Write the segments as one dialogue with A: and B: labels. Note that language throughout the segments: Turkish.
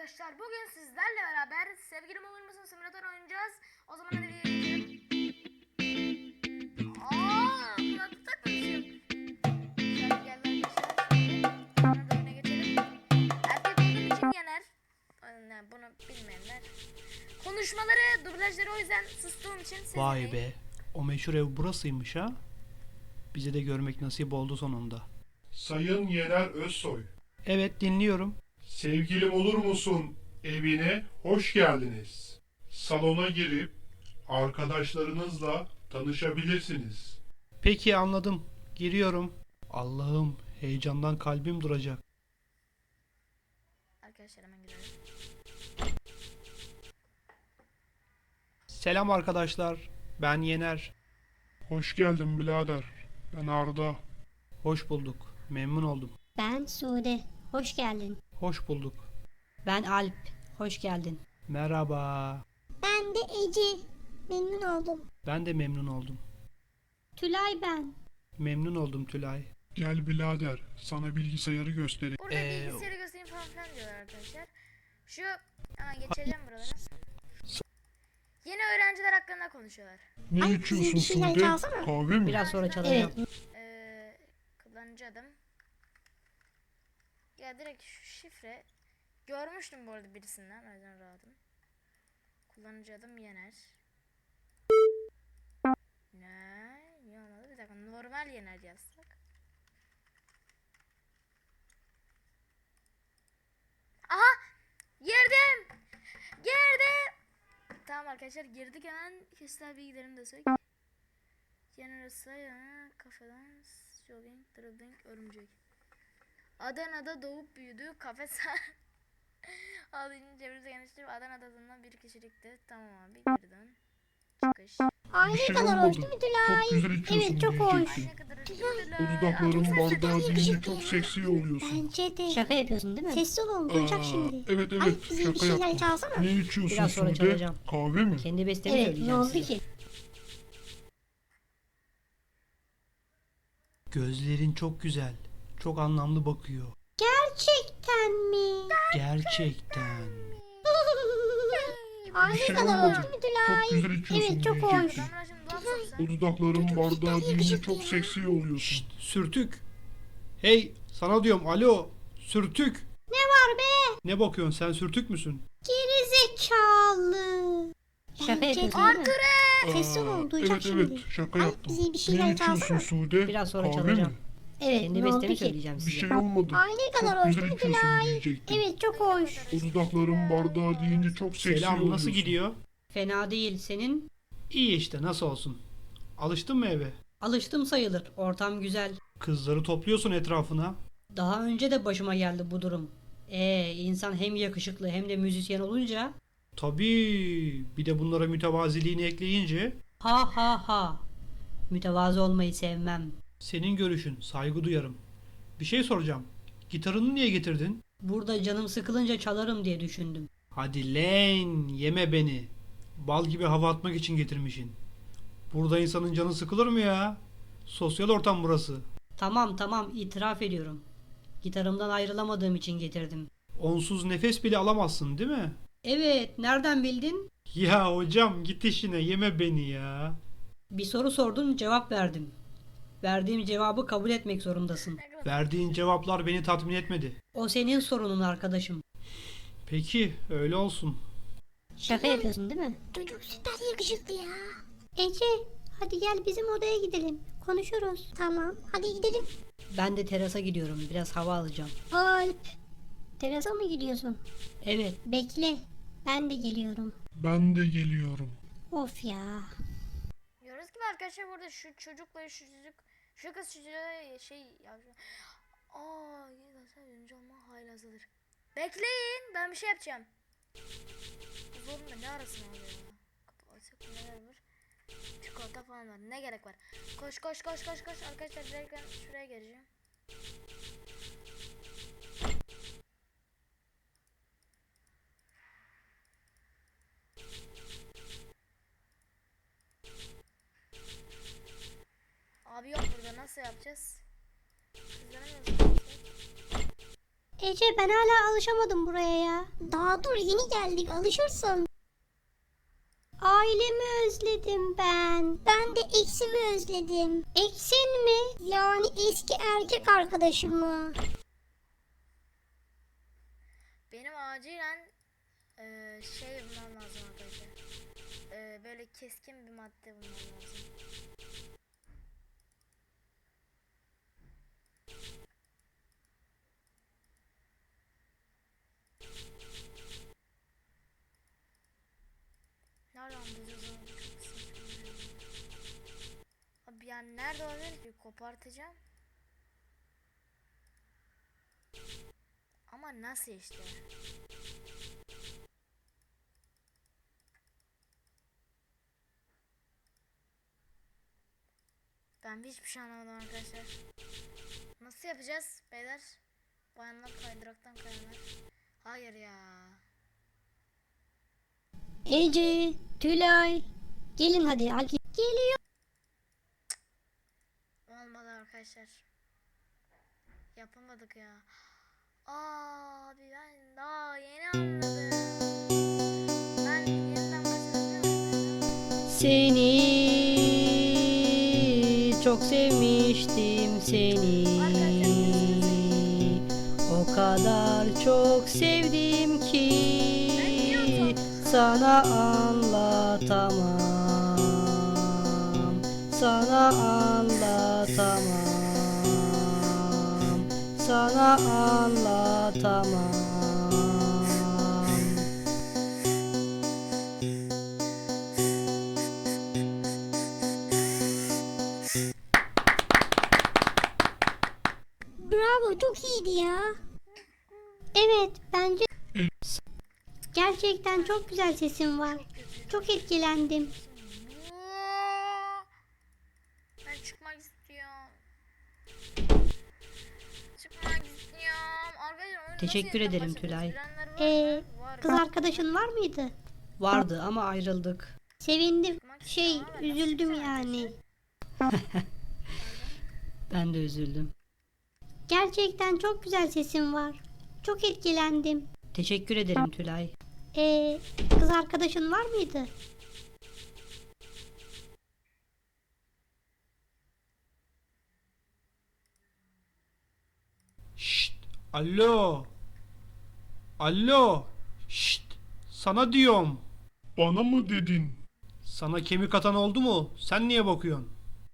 A: arkadaşlar, bugün sizlerle beraber Sevgilim Olur Musun simülatör oynayacağız. O zaman hadi videoya geçelim. Kulaklık takmışım. Şarkı geldi arkadaşlar. Sonra da oyuna geçelim. Erkek olduğum için yener. Bunu bilmeyenler. Konuşmaları, dublajları o yüzden sustuğum için siz
B: Vay
A: dinleyin.
B: be. O meşhur ev burasıymış ha. Bize de görmek nasip oldu sonunda.
C: Sayın Yener Özsoy,
B: Evet, dinliyorum.
C: sevgilim olur musun evine hoş geldiniz. Salona girip arkadaşlarınızla tanışabilirsiniz.
B: Peki, anladım. Giriyorum. Allah'ım, heyecandan kalbim duracak.
A: Arkadaşlar hemen girelim.
B: Selam arkadaşlar. Ben Yener.
C: Hoş geldin birader. Ben Arda.
B: Hoş bulduk. Memnun oldum.
D: Ben Sude. Hoş geldin.
B: Hoş bulduk.
E: Ben Alp. Hoş geldin.
B: Merhaba.
D: Ben de Ece. Memnun oldum.
B: Ben de memnun oldum.
D: Tülay ben.
B: Memnun oldum Tülay.
C: Gel birader, sana bilgisayarı göstereyim.
A: Burada bilgisayarı göstereyim falan diyorlar arkadaşlar. Şu hemen geçeceğim buralara. Yeni öğrenciler hakkında konuşuyorlar.
C: Ne
D: Ay,
C: içiyorsun
D: bir şeyler
C: Sude?
D: çalsana.
C: Kahve mi?
E: Biraz sonra çalacağım.
A: Kullanıcı adım. Ya direkt şu şifre. Görmüştüm bu arada birisinden. O yüzden rahatım. Kullanıcı adım Yener. Ne? Niye olmadı? Bir dakika. Normal Yener yazsak. Aha! Girdim! Girdim! Tamam arkadaşlar, girdik, hemen kişisel bilgilerimi de sök. Yener Özsoy, kafeden jogging, dribbling, örümcek. Adana'da doğup büyüdü, kafe Ağlayınca çevresi geniştir. Adana'da bulunan bir kişilikti. Tamam abi, geri dön. Çıkış.
D: Ay ne
C: şey
D: kadar hoş
C: olmadı.
D: değil mi Tülay?
C: Çok güzel içiyorsun
D: Evet çok hoş.
C: diyecektim.
A: Ne kadar
C: Bu dudakların bardağı deyince çok seksi oluyorsun.
D: Bence de.
E: Şaka yapıyorsun değil mi?
D: Sessiz olun duyacak
C: Aa,
D: şimdi.
C: Evet
D: Ay
C: evet,
D: bize bir
C: şaka
D: şeyler
C: yaptım.
D: çalsana.
C: Ne içiyorsun
E: Biraz sonra
C: Sude?
E: çalacağım.
C: Kahve mi?
E: Kendi bestemi
D: Evet ne
E: söyleyeceğim
D: oldu
E: size.
D: ki?
B: Gözlerin çok güzel. Çok anlamlı bakıyor.
D: Gerçekten mi?
B: Gerçekten.
D: Ay ne
C: şey
D: kadar
C: olmadı.
D: hoş değil mi Tülay?
C: Çok güzel içiyorsun
D: Evet çok hoş.
C: diyecektim.
A: Ben şimdi laf soksam.
C: Bu dudakların bardağı deyince çok seksi oluyorsun.
B: Şşt, sürtük. Hey, sana diyorum, alo. Sürtük.
D: Ne var be?
B: Ne bakıyorsun, sen sürtük müsün?
D: Geri zekalı.
E: Şaka
D: Bence
E: yapıyorsun
D: de.
E: değil mi?
D: Sessiz olun duyacak
C: Evet
D: şimdi.
C: evet, şaka
D: Ay
C: yaptım.
D: bize bir şeyler
C: Ne içiyorsun
D: çalsana.
C: Sude?
E: Biraz sonra
C: Kahve
E: çalacağım.
C: mi?
D: Evet
E: Kendi
D: ne oldu
E: bestemi
D: ki?
E: söyleyeceğim
C: Bir
E: size.
C: şey olmadı.
D: Ay ne kadar
C: Çok
D: hoş
C: güzel
D: değil mi
C: içiyorsun
D: Tülay?
C: diyecektim.
D: Evet çok hoş.
C: Bu dudakların bardağı deyince çok seksi
B: Selam,
C: oluyorsun.
B: nasıl gidiyor?
E: Fena değil. Senin?
B: İyi işte, nasıl olsun. Alıştın mı eve?
E: Alıştım sayılır. Ortam güzel.
B: Kızları topluyorsun etrafına.
E: Daha önce de başıma geldi bu durum. İnsan hem yakışıklı hem de müzisyen olunca
B: Tabii, bir de bunlara mütevaziliğini ekleyince
E: ha ha ha. Mütevazı olmayı sevmem.
B: senin görüşün, saygı duyarım. Bir şey soracağım. Gitarını niye getirdin?
E: Burada canım sıkılınca çalarım diye düşündüm.
B: Hadi lan, yeme beni. Bal gibi hava atmak için getirmişsin. Burada insanın canı sıkılır mı ya? Sosyal ortam burası.
E: Tamam itiraf ediyorum. Gitarımdan ayrılamadığım için getirdim.
B: Onsuz nefes bile alamazsın, değil mi?
E: Evet, nereden bildin?
B: Ya hocam, git işine, yeme beni ya.
E: Bir soru sordun, cevap verdim. Verdiğim cevabı kabul etmek zorundasın.
A: Ne kadar
B: Verdiğin cevaplar beni tatmin etmedi.
E: O senin sorunun arkadaşım.
B: Peki, öyle olsun.
E: Şaka yapıyorsun değil mi?
D: Çocuk süper yakışıklı ya. Ece hadi gel bizim odaya gidelim. Konuşuruz. Tamam hadi gidelim.
E: Ben de terasa gidiyorum. Biraz hava alacağım.
D: Alp. Terasa mı gidiyorsun?
E: Evet.
D: Bekle. Ben de geliyorum.
C: Ben de geliyorum.
D: Of ya.
A: Diyoruz ki arkadaşlar, burada şu çocukla şu çocuk, şu kız çocuğa şey yapıyor. Yedasal olma haylazıdır. Bekleyin, ben bir şey yapacağım. Bu zorunda ne arasın abi ya? Kapı açık, neler var? Çikolata falan var, ne gerek var? Koş arkadaşlar, direkt ben şuraya geleceğim. Abi yok burada, nasıl yapacağız? Kızlara nasıl yapacağız?
D: Ece ben hala alışamadım buraya ya. Daha dur yeni geldik alışırsın. Ailemi özledim ben. Ben de eksimi özledim. Eksin mi? Yani eski erkek arkadaşımı.
A: Benim acilen şey bulmam lazım arkadaşlar. Böyle keskin bir madde bulmam lazım. Nereden bulacağız onu? Çok saçma. Abi yani nerede olabilir ki? Kopartacağım. Ama nasıl işte? Ben hiçbir şey anlamadım arkadaşlar. Nasıl yapacağız beyler? Bayanlar kaydıraktan kayanlar. Hayır ya.
D: Ece, Tülay. Gelin hadi. Geliyor.
A: Olmadı arkadaşlar. Yapamadık ya. Abi ben daha yeni anladım. Ben yeniden başlayacağım.
E: Seni çok sevmiştim seni. O kadar çok sevdim ki sana anlatamam. Sana anlatamam. Sana anlatamam.
D: Bravo çok iyiydi ya. Evet bence gerçekten çok güzel sesin var. Çok etkilendim.
A: Ben çıkmak istiyorum. Çıkmak istiyorum. Arkadaşlar oyunu
E: Teşekkür
A: nasıl
E: ederim
A: yeniden
E: Tülay.
A: başlatacağız? Bilenler var mı? Var.
D: Kız arkadaşın var mıydı?
E: Vardı ama ayrıldık.
D: Sevindim.
A: Çıkmak istiyorum ama ben nasıl
D: Üzüldüm
A: çıkacağım
D: yani.
A: arkadaşlar?
E: Ben de üzüldüm.
D: Gerçekten çok güzel sesin var. Çok etkilendim.
E: Teşekkür ederim Tülay.
D: Kız arkadaşın var mıydı?
B: Şşt. Alo. Alo. Şşt. Sana diyorum.
C: Bana mı dedin?
B: Sana kemik atan oldu mu? Sen niye bakıyorsun?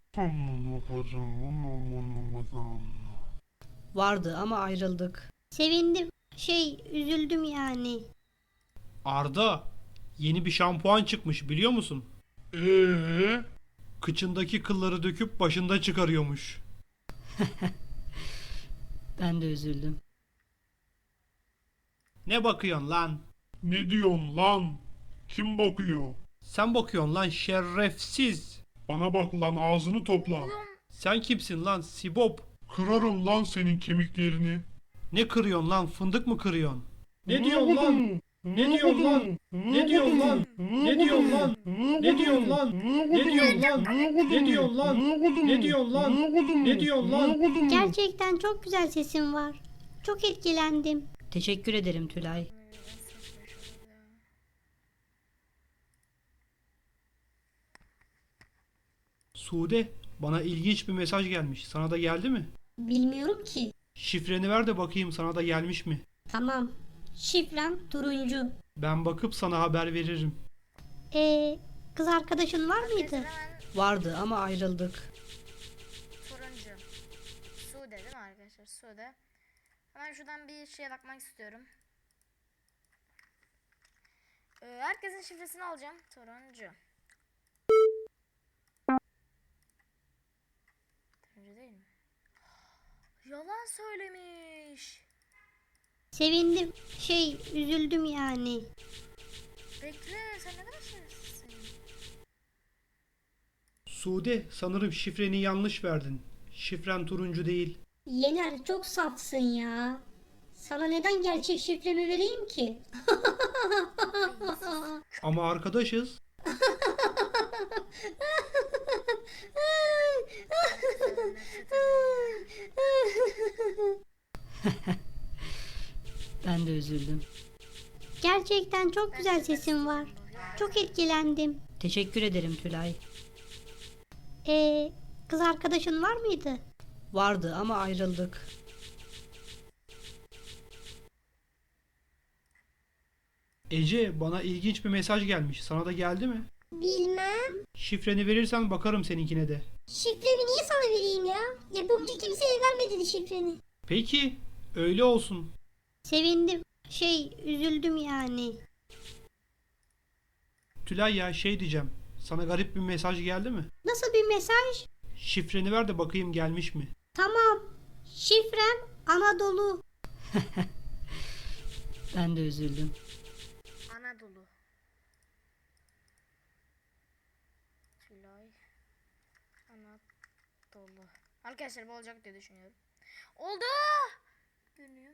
E: Vardı ama ayrıldık.
D: Sevindim. Üzüldüm yani.
B: Arda. Yeni bir şampuan çıkmış biliyor musun? Kıçındaki kılları döküp başında çıkarıyormuş.
E: Ben de üzüldüm.
B: Ne bakıyorsun lan?
C: Ne diyorsun lan? Kim bakıyor?
B: Sen bakıyorsun lan şerefsiz.
C: Bana bak lan ağzını topla.
B: Sen kimsin lan Sibop?
C: Kırarım lan senin kemiklerini.
B: Ne kırıyorsun lan? Fındık mı kırıyorsun? Ne diyorsun lan? Ne diyorsun lan? Ne diyorsun lan? Ne diyorsun lan? Ne diyorsun lan? Ne diyorsun lan? Ne diyorsun lan? Ne diyorsun lan? Ne diyorsun lan?
D: Gerçekten çok güzel sesin var. Çok etkilendim.
E: Teşekkür ederim Tülay.
B: Sude, bana ilginç bir mesaj gelmiş. Sana da geldi mi?
D: Bilmiyorum ki.
B: Şifreni ver de bakayım sana da gelmiş mi?
D: Tamam. Şifrem turuncu.
B: Ben bakıp sana haber veririm.
D: Kız arkadaşın var mıydı?
A: Hemen
E: Vardı ama ayrıldık.
A: turuncu. Sude değil mi arkadaşlar? Sude. Hemen şuradan bir şeye bakmak istiyorum. Herkesin şifresini alacağım. Turuncu. Turuncu değil mi? Yalan söylemiş.
D: Sevindim. Üzüldüm yani.
A: Bekle, sen ne kadar şerefsizsin.
B: Sude, sanırım şifreni yanlış verdin. Şifren turuncu değil.
D: Yener çok safsın ya. Sana neden gerçek şifremi vereyim ki?
B: Ama arkadaşız.
E: Ben de üzüldüm.
D: Gerçekten çok güzel sesin var. Çok etkilendim.
E: Teşekkür ederim Tülay.
D: Kız arkadaşın var mıydı?
E: Vardı ama ayrıldık.
B: Ece, bana ilginç bir mesaj gelmiş. Sana da geldi mi?
D: Bilmem.
B: Şifreni verirsen bakarım seninkine de.
D: Şifremi niye sana vereyim ya? Yapımcı kimseye vermedi şifreni.
B: Peki, öyle olsun.
D: Sevindim. Üzüldüm yani.
B: Tülay ya, şey diyeceğim. Sana garip bir mesaj geldi mi?
D: Nasıl bir mesaj?
B: Şifreni ver de bakayım gelmiş mi?
D: Tamam. Şifrem Anadolu.
E: Ben de üzüldüm.
A: Anadolu. Tülay. Anadolu. Arkadaşlar bu olacak diye düşünüyorum. Oldu. Görünüyor.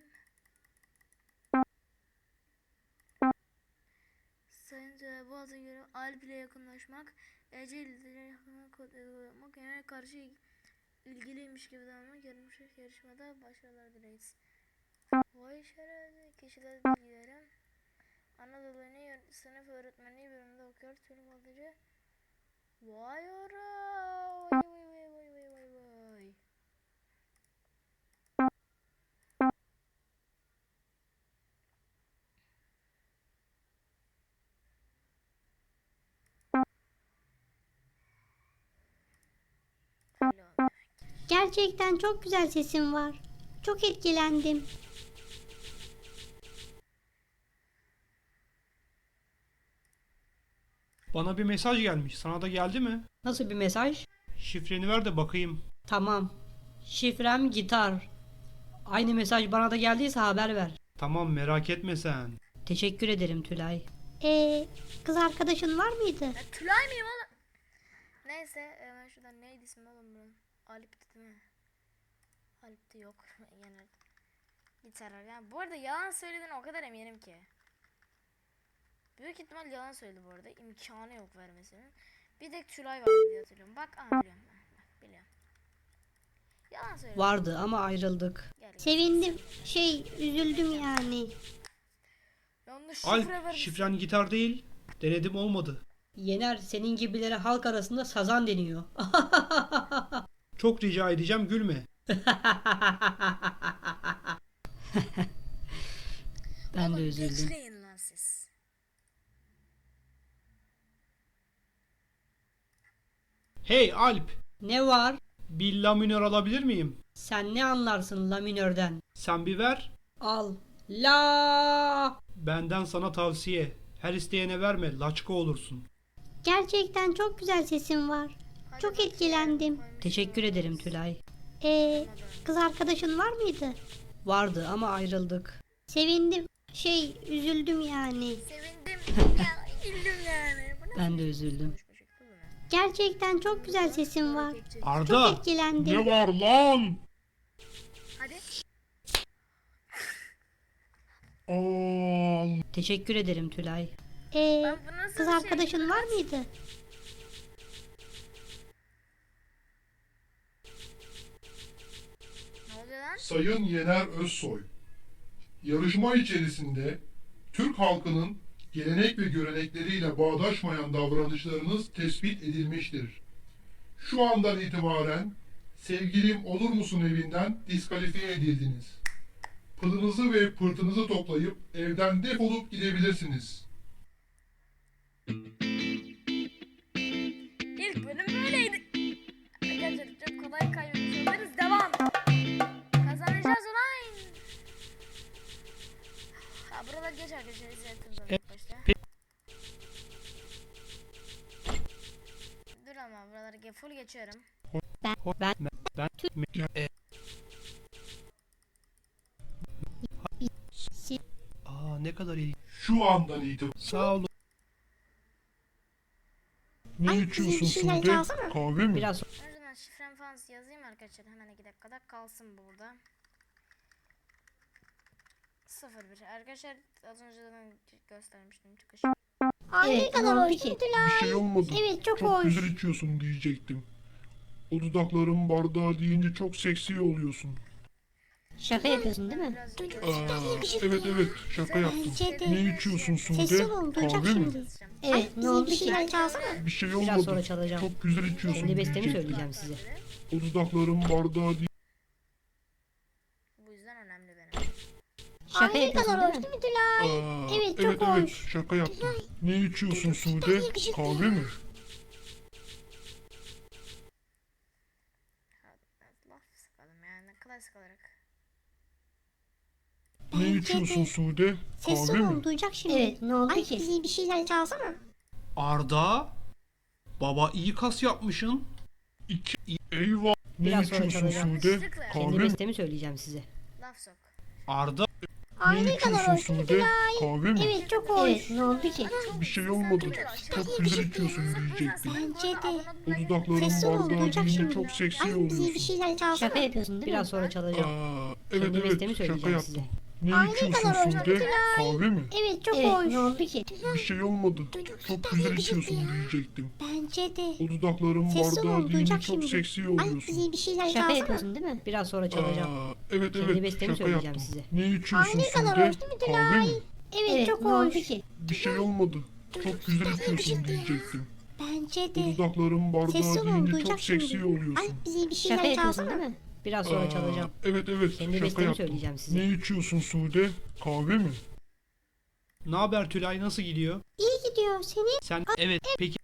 A: Sayın Tülay, bu adı göre Alp ile yakınlaşmak, Ece ile yakınlaşmak, kodları yapmak, yani karşı ilgiliymiş gibi davranmak, yarışmada başarılar dileriz. Vay şerefsiz kişiler bilgilerim. Anadolu'nun sınıf öğretmenliği bölümünde okuyor. Türk Balıcı. Vay ora. Vay vay vay vay vay vay vay. Alo.
D: Gerçekten çok güzel sesin var. Çok etkilendim.
B: Bana bir mesaj gelmiş. Sana da geldi mi?
E: Nasıl bir mesaj?
B: Şifreni ver de bakayım.
E: Tamam. Şifrem gitar. Aynı mesaj bana da geldiyse haber ver.
B: Tamam, merak etme sen.
E: Teşekkür ederim Tülay.
D: Kız arkadaşın var mıydı?
A: Ya Tülay mıyım oğlum? Neyse ben şuradan neydi ismi oğlum bunun? Alp'ti değil mi? Alp'ti yok. Genel. Gitar yani bu arada yalan söylediğine o kadar eminim ki. Büyük ihtimal yalan söyledi bu arada. İmkanı yok vermesinin. Bir tek Tülay vardı diye hatırlıyorum. Bak biliyorum ben. Bak, biliyorum. Yalan söyledi.
E: Vardı ama ayrıldık.
A: Gel, gel.
D: Sevindim. Üzüldüm yani.
A: Yanlış şifre
B: Alp,
A: vermişsin.
B: şifren gitar değil. Denedim, olmadı.
E: Yener, senin gibilere halk arasında sazan deniyor.
B: Çok rica edeceğim, gülme.
E: Ben de
A: Oğlum,
E: üzüldüm.
A: bekleyin lan siz.
B: Hey Alp,
E: Ne var?
B: bir la minör alabilir miyim?
E: Sen ne anlarsın la minörden?
B: Sen bir ver.
E: Al. La.
B: Benden sana tavsiye. Her isteyene verme, laçka olursun.
D: Gerçekten çok güzel sesin var.
A: Hadi
D: Çok
A: bakayım,
D: etkilendim.
A: koymuşum.
E: Teşekkür ederim Tülay.
D: Kız arkadaşın var mıydı?
E: Vardı ama ayrıldık.
D: Sevindim. Üzüldüm yani.
A: Sevindim. Ya, güldüm yani. Bu ne?
E: Ben de üzüldüm.
A: Konuşma şekli bu ne?
D: Gerçekten çok güzel sesin var. Çok
B: Arda,
D: etkilendim.
C: Ne var lan?
A: Hadi.
C: Al.
E: Teşekkür ederim Tülay.
A: Ben bu nasıl
D: Kız
A: bir şey?
D: arkadaşın var mıydı?
A: Ne oluyor lan?
C: Sayın Yener Özsoy. Yarışma içerisinde Türk halkının gelenek ve görenekleriyle bağdaşmayan davranışlarınız tespit edilmiştir. Şu andan itibaren sevgilim olur musun evinden diskalifiye edildiniz. Pılınızı ve pırtınızı toplayıp evden defolup gidebilirsiniz.
A: İlk bölüm böyleydi. Arkadaşlar çok kolay kaybetmiş oluruz. Devam. Kazanacağız ulan. Ha buralar geç arkadaşlar. İzlettiniz ilk başta. Dur ama buraları full geçiyorum.
B: Aa, ne kadar iyi.
C: Şu andan itibaren
B: Sağ ol.
C: ne
D: Ay,
C: içiyorsun
D: bir şeyler
C: Sude?
D: çalsana.
C: Kahve mi?
E: Biraz
A: Önceden şifrem falan yazayım arkadaşlar. Hemen 2 dakikada kalsın burada. 01 arkadaşlar az önceden göstermiştim çıkış.
D: Ay ne
E: Evet, ne
D: kadar
E: oldu
D: hoş
E: ki?
D: değil mi Tülay?
C: Bir şey olmadı.
D: Evet çok
C: Çok
D: hoş.
C: güzel içiyorsun diyecektim. O dudakların bardağı deyince çok seksi oluyorsun.
E: Şaka yapıyorsun değil mi?
A: Biraz
C: Evet evet şaka yaptım.
D: Bence de.
C: Ne içiyorsun
D: Sessiz
C: Sude?
D: olun duyacak
C: Kahve mi?
D: şimdi.
E: Evet, ne
D: Bize
E: oldu
D: bir
E: ki?
D: şeyler çalsana.
C: Bir şey
E: Biraz
C: olmadı.
E: sonra çalacağım.
C: Çok güzel içiyorsun
E: Kendi bestemi
C: diyecektim.
E: söyleyeceğim size.
C: O dudakların bardağı değil.
A: Bu yüzden önemli benim.
E: Şaka
D: Ay ne
E: yapıyorsun
D: kadar hoş
E: değil mi?
D: değil mi Tülay? Evet çok
C: evet
D: hoş.
C: şaka yaptım. Ne içiyorsun Sude? Kahve mi?
A: Laf sıkalım yani klasik olarak.
C: Ne
D: Bence
C: içiyorsun
D: de.
C: Sude?
D: Sessiz
C: Kahve
D: olun
C: mi?
D: duyacak şimdi.
E: Evet, ne oldu
D: Ay
E: ki?
D: bize bir şeyler çalsana.
B: Arda. Baba iyi kas yapmışsın.
C: Eyvah. Ne
E: Biraz sonra
C: içiyorsun
E: çalacağım.
C: Sude?
A: Kendi
C: Kahve
E: Kendi
C: mi?
E: bestemi söyleyeceğim size.
A: Laf sok.
B: Arda.
D: Ay
C: Ne
D: ne kadar
C: içiyorsun
D: hoş değil mi
C: Sude?
D: Tülay?
C: Kahve mi?
D: Evet çok hoş.
E: Evet, ne oldu ki?
C: Bir şey olmadı. Çok güzel içiyorsun diyecektim.
D: Bence de.
C: O dudakların
D: Sessiz olun
C: bardağı
D: duyacak
C: deyince
D: şimdi.
C: çok seksi
D: Ay bize bir
C: oluyorsun.
D: şeyler çalsana.
E: Şaka yapıyorsun değil mi? Biraz sonra çalacağım.
C: Evet
E: Kendi bestemi
C: evet şaka
E: söyleyeceğim
C: yaptım.
E: size.
C: Ne
D: Ay, ne
C: içiyorsun
D: kadar hoş
C: Sude? Kahve mi?
D: Evet çok
E: Evet,
D: hoş.
E: ne oldu ki?
C: Bir şey olmadı. Çok güzel içiyorsun diyecektim.
D: Bence de.
C: O dudakların
D: Sessiz
C: bardağı
D: olun
C: deyince
D: duyacak
C: çok
D: şimdi.
C: seksi
D: Ay
C: oluyorsun.
D: bize bir şeyler
E: Şaka
D: çalsana.
E: yapıyorsun değil mi? Biraz sonra çalacağım.
C: Evet
E: Kendi
C: evet
E: bestemi
C: şaka
E: söyleyeceğim
C: yaptım.
E: size.
C: Ne içiyorsun
D: Ay, ne kadar
C: Sude?
D: hoş değil mi
C: Kahve mi?
D: Evet,
E: Evet,
D: çok
E: ne oldu
D: hoş.
E: ki?
C: Bir şey olmadı. Çok güzel içiyorsun diyecektim.
D: Bence
C: O
D: de.
C: dudakların
D: Sessiz
C: bardağı
D: olun
C: deyince
D: duyacak
C: çok seksi
D: şimdi.
C: oluyorsun.
D: Ay bize bir
E: Şaka
D: şeyler
E: yapıyorsun
D: çalsana.
E: değil mi? Biraz sonra çalacağım.
C: Evet evet
E: Kendi
C: şaka
E: bestemi
C: yaptım.
E: söyleyeceğim size.
C: Ne içiyorsun Sude? Kahve mi?
B: Ne haber Tülay, nasıl gidiyor?
D: İyi gidiyor senin.
B: Sen evet peki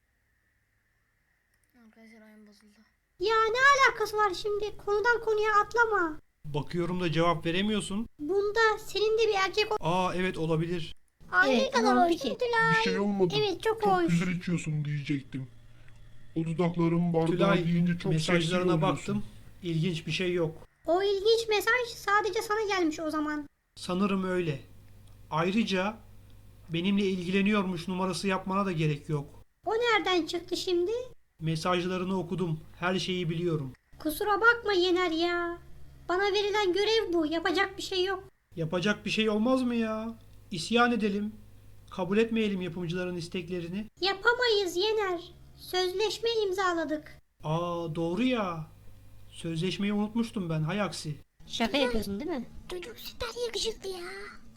A: Arkadaşlar oyun bozuldu.
D: Ya ne alakası var şimdi? Konudan konuya atlama.
B: bakıyorum da cevap veremiyorsun.
D: Bunda senin de bir erkek
B: Aa evet olabilir.
D: Ay ne
E: Evet,
D: kadar
E: ne oldu
D: hoş
E: ki?
D: Tülay.
C: Bir şey olmadı.
D: Evet çok
C: Çok
D: hoş.
C: güzel içiyorsun diyecektim. O dudakların bardağı
B: Tülay
C: deyince çok seksi
B: mesajlarına
C: oluyorsun.
B: baktım. İlginç bir şey yok.
D: O ilginç mesaj sadece sana gelmiş o zaman.
B: Sanırım öyle. Ayrıca benimle ilgileniyormuş numarası yapmana da gerek yok.
D: O nereden çıktı şimdi?
B: Mesajlarını okudum. Her şeyi biliyorum.
D: Kusura bakma Yener ya. Bana verilen görev bu. Yapacak bir şey yok.
B: Yapacak bir şey olmaz mı ya? İsyan edelim. Kabul etmeyelim yapımcıların isteklerini.
D: Yapamayız Yener. Sözleşme imzaladık.
B: Aa doğru ya. Sözleşmeyi unutmuştum ben, hay aksi.
E: Şaka yapıyorsun değil mi?
D: Çocuk süper yakışıklı ya.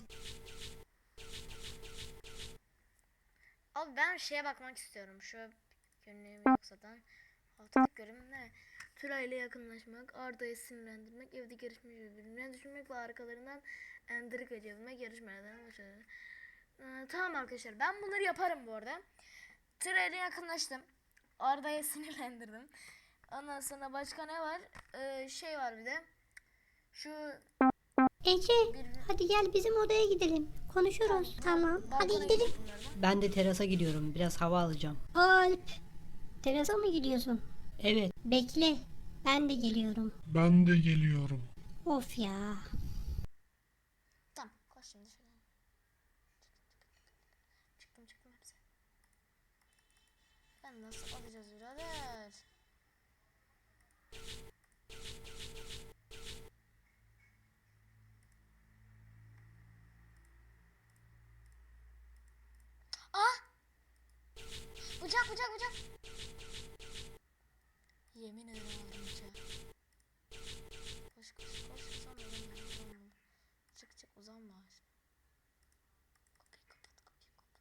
A: Abi ben şeye bakmak istiyorum. Şu günlüğümü yok zaten. Haftalık görevim ne? Tülay ile yakınlaşmak, Arda'yı sinirlendirmek, evde görüşmeyi birbirine düşürmek ve arkalarından endirika cebilmek, yarışmalardan başarılı. Tamam arkadaşlar, ben bunları yaparım bu arada. Tülay ile yakınlaştım. Arda'yı sinirlendirdim. Ondan sonra başka ne var? Şey var bir de. Şu
D: Ece hadi gel bizim odaya gidelim. Konuşuruz. Tamam. Hadi
A: balkona
D: gidelim.
A: gidip bunlardan.
E: Ben de terasa gidiyorum. Biraz hava alacağım.
D: Alp. Terasa mı gidiyorsun?
E: Evet.
D: Bekle. Ben de geliyorum.
C: Ben de geliyorum.
D: Of ya.
A: Tamam, koş şimdi şöyle. Çıktım hepsi. Ben nasıl alacağız birader? Ah! Bıçak. Yemin ederim aldım bıçağı. Koş. Uzanma ben. Çık uzanma. Kapıyı kapat.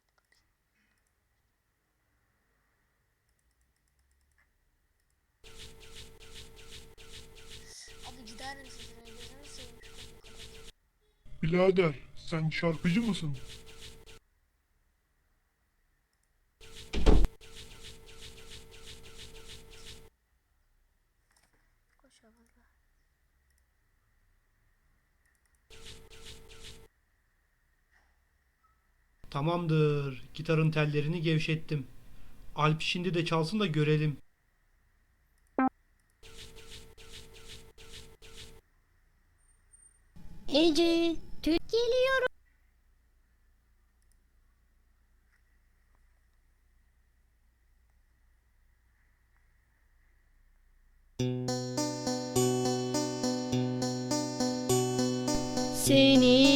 A: Abi gider misin? Gözünü seveyim şu kapıyı kapat.
C: Birader sen şarkıcı mısın?
A: Koş abla.
B: Tamamdır. Gitarın tellerini gevşettim. Alp şimdi de çalsın da görelim.
D: Ece. Geliyorum.
E: Seni